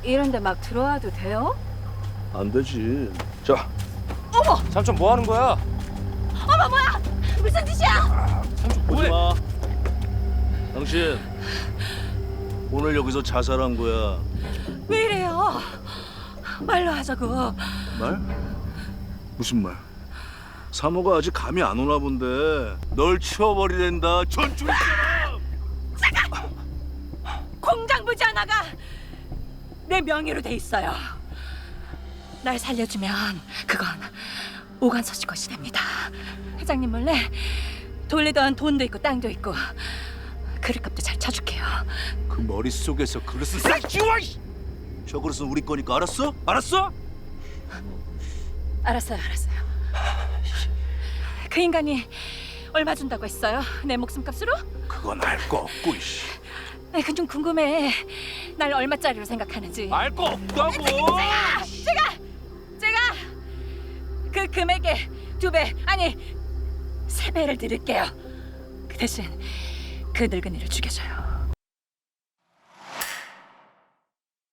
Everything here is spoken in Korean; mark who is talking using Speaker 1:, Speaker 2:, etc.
Speaker 1: 이런데 막 들어와도 돼요?
Speaker 2: 안 되지. 자,
Speaker 3: 삼촌 뭐 하는 거야?
Speaker 1: 어머 뭐야! 무슨 짓이야!
Speaker 3: 삼촌
Speaker 2: 오지
Speaker 3: 뭐해?
Speaker 2: 마. 당신 오늘 여기서 자살한 거야.
Speaker 1: 왜 이래요? 말로 하자고.
Speaker 2: 말? 무슨 말? 사모가 아직 감이 안 오나 본데 널 치워버리랜다. 전줄처럼.
Speaker 1: 공장 부지 하나가 내 명의로 돼 있어요. 날 살려주면 그건 오간서 씨 것이 됩니다. 회장님 몰래 돌리던 돈도 있고 땅도 있고 그릇값도 잘 쳐줄게요.
Speaker 2: 그 머릿속에서 그릇은 싹 지워! 저 그릇은 우리 거니까 알았어? 알았어?
Speaker 1: 알았어요. 그 인간이 얼마 준다고 했어요? 내 목숨값으로?
Speaker 2: 그건 알 거 없고 이씨.
Speaker 1: 그 좀 궁금해. 날 얼마짜리로 생각하는지.
Speaker 2: 알 거 없다고.
Speaker 1: 제가 그 금액의 2배 아니 3배를 드릴게요. 그 대신 그 늙은이를 죽여줘요.